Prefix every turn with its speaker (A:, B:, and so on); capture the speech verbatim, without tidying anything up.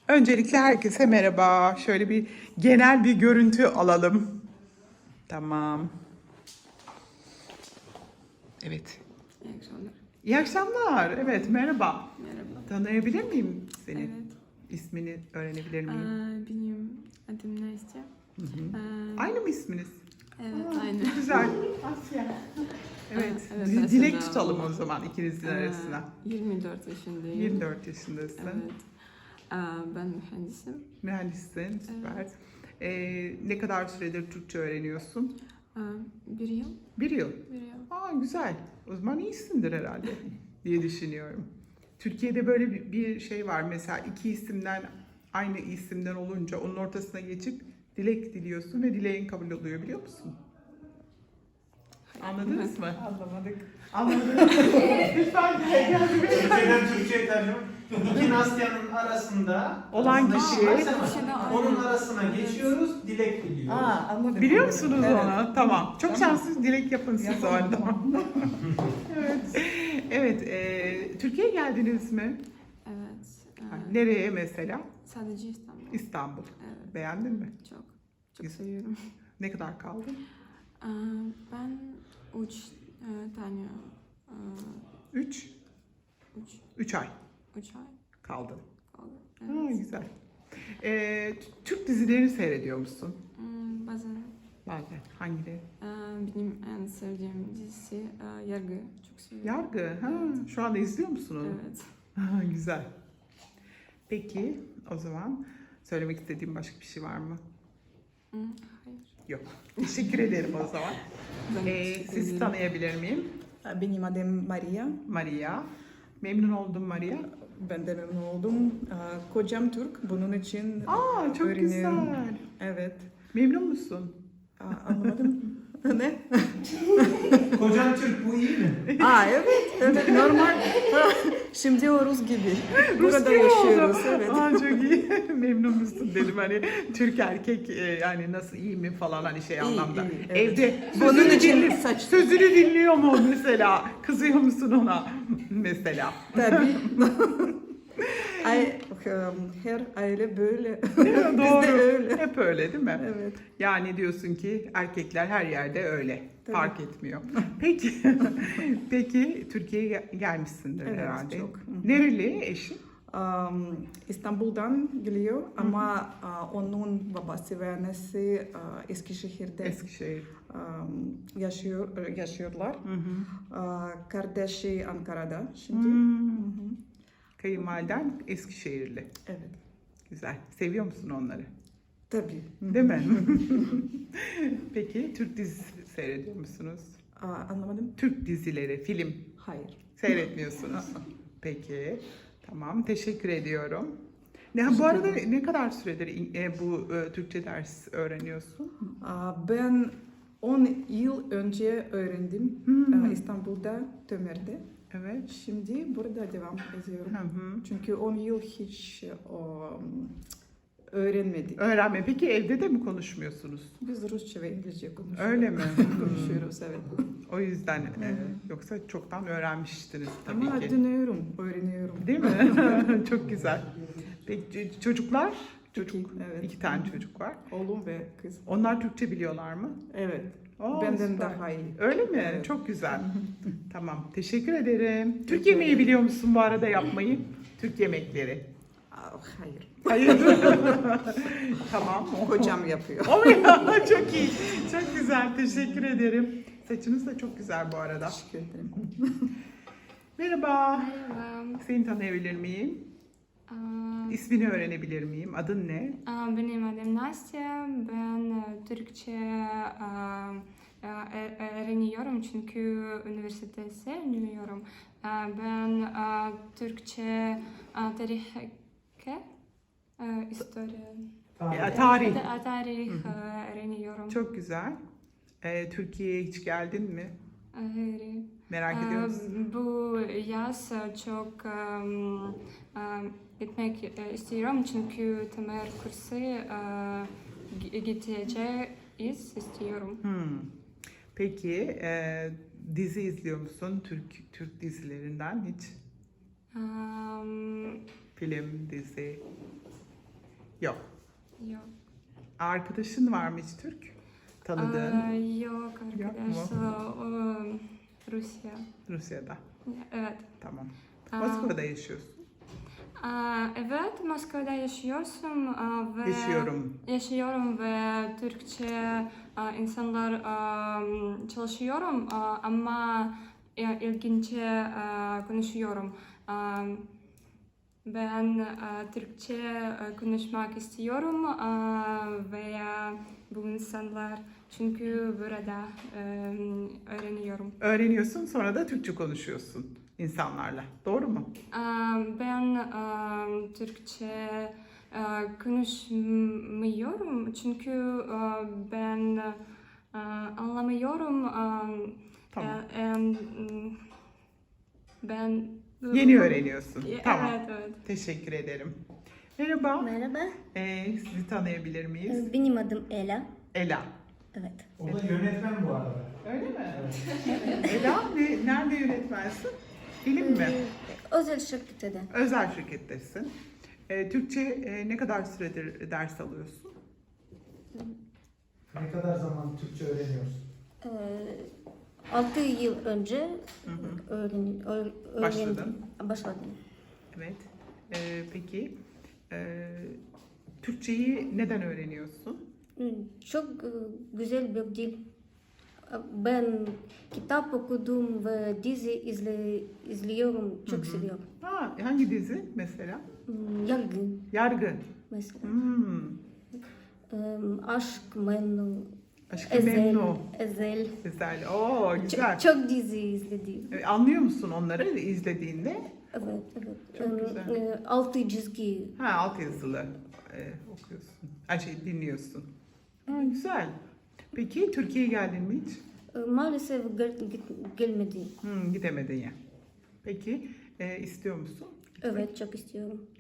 A: Öncelikle herkese merhaba. Şöyle bir genel bir görüntü alalım. Tamam. Evet.
B: İyi akşamlar.
A: İyi akşamlar. Evet, merhaba.
B: Merhaba.
A: Tanıyabilir miyim seni?
B: Evet.
A: İsmini öğrenebilir miyim?
B: Aa, benim adım Nastya. Aa,
A: Aynı mı isminiz?
B: Evet,
A: Aa,
B: aynı.
A: Güzel. Asya. Evet.
B: Aa, evet,
A: di-
B: Asya
A: Dilek
B: da
A: tutalım
B: o.
A: o zaman ikinizin
B: Aa,
A: arasına.
B: yirmi dört yaşındayım.
A: yirmi dört yaşındasın.
B: Evet. Aa, ben mühendisim.
A: Mühendissin. Süper. Ee, ne kadar süredir Türkçe öğreniyorsun?
B: Aa, bir yıl.
A: Bir yıl.
B: Bir yıl.
A: Aa, güzel. O zaman iyisindir herhalde diye düşünüyorum. Türkiye'de böyle bir, bir şey var. Mesela iki isimden aynı isimden olunca onun ortasına geçip dilek diliyorsun ve dileğin kabul oluyor, biliyor musun? Anladınız mı?
C: Anlamadık.
A: Anladınız. Lütfen gel.
C: Türkçeden Türkçe'ye tercüme. İki Nastya'nın arasında
A: Olan
C: arasında
A: kişi-
C: varsa mı?
B: Kişi de aynı.
C: Onun arasına geçiyoruz, dilek biliyoruz.
D: Aa, anladım.
A: Biliyor
D: anladım.
A: musunuz
D: Evet.
A: onu? Tamam. Çok
D: Tamam.
A: şanslısınız. Dilek yapın siz o
D: Yapalım,
A: halde.
D: tamam.
A: Evet. Evet. E, Türkiye'ye geldiniz mi?
B: Evet. Aa,
A: Nereye mesela?
B: sadece İstanbul.
A: İstanbul.
B: Evet.
A: Beğendin mi?
B: Çok. Çok
A: Güzel.
B: seviyorum.
A: Ne kadar kaldın?
B: Aa, ben üç e, tane e,
A: Üç.
B: üç,
A: Üç ay
B: üç ay
A: kaldın.
B: kaldı.
A: Ha,
B: Evet.
A: güzel. Ee, Türk dizilerini seyrediyor musun?
B: Hmm, bazen
A: Bazen. Hangileri?
B: Aa, benim en sevdiğim dizisi aa, Yargı. Çok seviyorum.
A: Yargı. Ha, şu anda izliyor musun onu?
B: Evet.
A: Ha, güzel. Peki o zaman söylemek istediğim başka bir şey var mı?
B: Hmm, hayır.
A: Yok. Teşekkür ederim o zaman.
B: Ben
A: Ee,
B: teşekkür
A: sizi
B: ederim.
A: tanıyabilir miyim?
D: Benim adım Maria.
A: Maria. Memnun oldum Maria.
D: Ben de memnun oldum. Aa, Kocam Türk. Bunun için
A: Aa, çok
D: öğreniyorum.
A: güzel.
D: Evet.
A: Memnun musun?
D: Aa, anlamadım. Ne?
C: Kocan Türk, bu iyi mi?
D: Aa, evet. Evet, normal. Şimdi o Rus gibi. Burada
A: gibi
D: yaşıyoruz.
A: oldu.
D: Evet.
A: Aa, çok iyi. Memnun musun dedim, hani Türk erkek e, yani nasıl, iyi mi falan, hani şey
D: İyi,
A: anlamda.
D: iyi, evet.
A: Evde
D: Bunun
A: sözünü,
D: için
A: dinli-
D: saç-
A: sözünü dinliyor mu mesela? Kızıyor musun ona mesela?
D: Tabii. Ay, her aile böyle.
A: Değil mi? Doğru.
D: Bizde öyle.
A: Hep öyle değil mi?
D: Evet.
A: Yani diyorsun ki erkekler her yerde öyle.
D: Tabii.
A: Fark etmiyor. Peki, peki Türkiye'ye gel- gelmişsindir
D: Evet,
A: herhalde.
D: çok. Hı hı.
A: Nereli eşin?
D: Um, İstanbul'dan geliyor ama uh, onun babası ve annesi uh, Eskişehir'de
A: Eskişehir.
D: um, yaşıyor yaşıyorlar.
A: Hı hı.
D: Uh, kardeşi Ankara'da şimdi.
A: Hmm.
D: Hı hı.
A: Kayınvaliden Eskişehirli.
D: Evet.
A: Güzel. Seviyor musun onları?
D: Tabii.
A: Değil mi? Peki Türk dizisi seyrediyor musunuz?
D: Aa, anlamadım.
A: Türk dizileri, film
D: Hayır.
A: seyretmiyorsunuz. Peki. Tamam. Teşekkür ediyorum. Ne, bu
D: Teşekkür
A: arada
D: ederim.
A: ne kadar süredir e, bu e, Türkçe ders öğreniyorsun?
D: Aa, ben on yıl önce öğrendim
A: Hmm.
D: uh, İstanbul'da, Tömer'de.
A: Evet.
D: Şimdi burada devam ediyorum.
A: Hı hı.
D: Çünkü on yıl hiç um, öğrenmedik.
A: Öğrenme. Peki evde de mi konuşmuyorsunuz?
D: Biz Rusça ve İngilizce konuşuyoruz.
A: Öyle mi?
D: Konuşuyoruz, evet.
A: O yüzden e, yoksa çoktan öğrenmiştiniz tabii
D: Ama
A: ki.
D: dinliyorum, öğreniyorum.
A: Değil mi? Çok güzel. Peki ç- çocuklar? Çocuk.
D: İki, evet.
A: İki tane çocuk var.
D: Oğlum ve kız.
A: Onlar Türkçe biliyorlar mı?
D: Evet.
A: Oo,
D: Benden
A: süper.
D: daha iyi.
A: Öyle mi?
D: Evet.
A: Çok güzel. Tamam. Teşekkür ederim. Türk
D: Teşekkür
A: yemeği
D: ederim.
A: biliyor musun bu arada yapmayı? Türk yemekleri.
D: Aa, hayır.
A: Hayır. Tamam.
D: Kocam yapıyor.
A: O ya, çok iyi. Çok güzel. Teşekkür ederim. Saçınız da çok güzel bu arada.
D: Teşekkür ederim.
A: Merhaba.
B: Merhaba.
A: Seni tanıyabilir miyim?
B: Aa,
A: İsmini öğrenebilir miyim? Adın ne?
B: aa, benim adım Nastya. Ben e, Türkçe aa, aa, e- öğreniyorum çünkü üniversitede sevmiyorum. Aa, Ben aa, Türkçe aa, tarih, aa, historia,
A: Ya, tarih.
B: Ta- tarih aa, öğreniyorum.
A: Çok güzel. Ee, Türkiye'ye hiç geldin mi?
B: Hayır.
A: Merak ediyor
B: Aa,
A: musun?
B: Bu yaz çok um, um, gitmek e, istiyorum çünkü temel kursu uh, gi- gideceğiz istiyorum.
A: Hmm. Peki e, dizi izliyor musun? Türk Türk dizilerinden hiç?
B: Um,
A: Film, dizi. Yok.
B: Yok.
A: Arkadaşın var mı hiç Türk? Tanıdığın
B: Aa, yok arkadaş.
A: mu?
B: Aa, o, Rusya.
A: Rusya'da.
B: Evet.
A: Tamam.
B: Aa,
A: Moskova'da yaşıyorsun.
B: aa, evet, Moskova'da yaşıyorsun aa, ve
A: Yaşıyorum.
B: yaşıyorum ve Türkçe aa, insanlar aa, çalışıyorum aa, ama ya, ilginçe aa, konuşuyorum. Aa, ben aa, Türkçe aa, konuşmak istiyorum aa, veya bu insanlar çünkü burada aa, öğreniyorum.
A: Öğreniyorsun, sonra da Türkçe konuşuyorsun insanlarla. Doğru mu?
B: Aa, Ben aa, Türkçe aa, konuşmuyorum çünkü aa, ben aa, anlamıyorum. Aa,
A: Tamam.
B: e- em, Ben
A: Yeni öğreniyorsun.
B: Evet,
A: Tamam.
B: evet.
A: Teşekkür ederim. Merhaba.
E: Merhaba,
A: Ee, sizi tanıyabilir miyiz?
E: e, benim adım Ela.
A: Ela.
E: Evet.
C: O da yönetmen bu arada.
A: Öyle mi? Ela, ne, nerede yönetmensin? Film mi?
E: Ee, Özel şirkette de.
A: Özel şirkettesin. Ee, Türkçe e, ne kadar süredir ders alıyorsun?
C: Ne kadar zaman Türkçe öğreniyorsun?
E: Ee, altı yıl önce
A: Hı hı.
E: öğren, öğ- öğrendim.
A: Başladın.
E: Başladım.
A: Evet. Ee, peki, e, Türkçeyi neden öğreniyorsun?
E: Hmm, Çok e, güzel bir dil. Ben kitap okudum ve dizi izle, izliyorum. Çok
A: Hı hı.
E: seviyorum.
A: Ha, hangi dizi mesela?
E: Hmm, Yargı
A: Yargı.
E: mesela.
A: Hmm.
E: Ee, Aşk, Memnu,
A: Aşkı
E: Ezel,
A: Memnu.
E: Ezel.
A: Güzel. Oo, güzel.
E: Çok, çok dizi izledim.
A: E, Anlıyor musun onları izlediğinde?
E: Evet, evet.
A: Çok
E: Ee,
A: güzel.
E: e, Altı çizgi.
A: Ha, alt yazılı e, okuyorsun. Her şeyi dinliyorsun. Ha, güzel. Peki Türkiye'ye geldin mi hiç?
E: Ee, Maalesef gel, git- gelmedi.
A: Hmm, gidemedin ya. Peki e, istiyor musun?
E: Evet, çok istiyorum.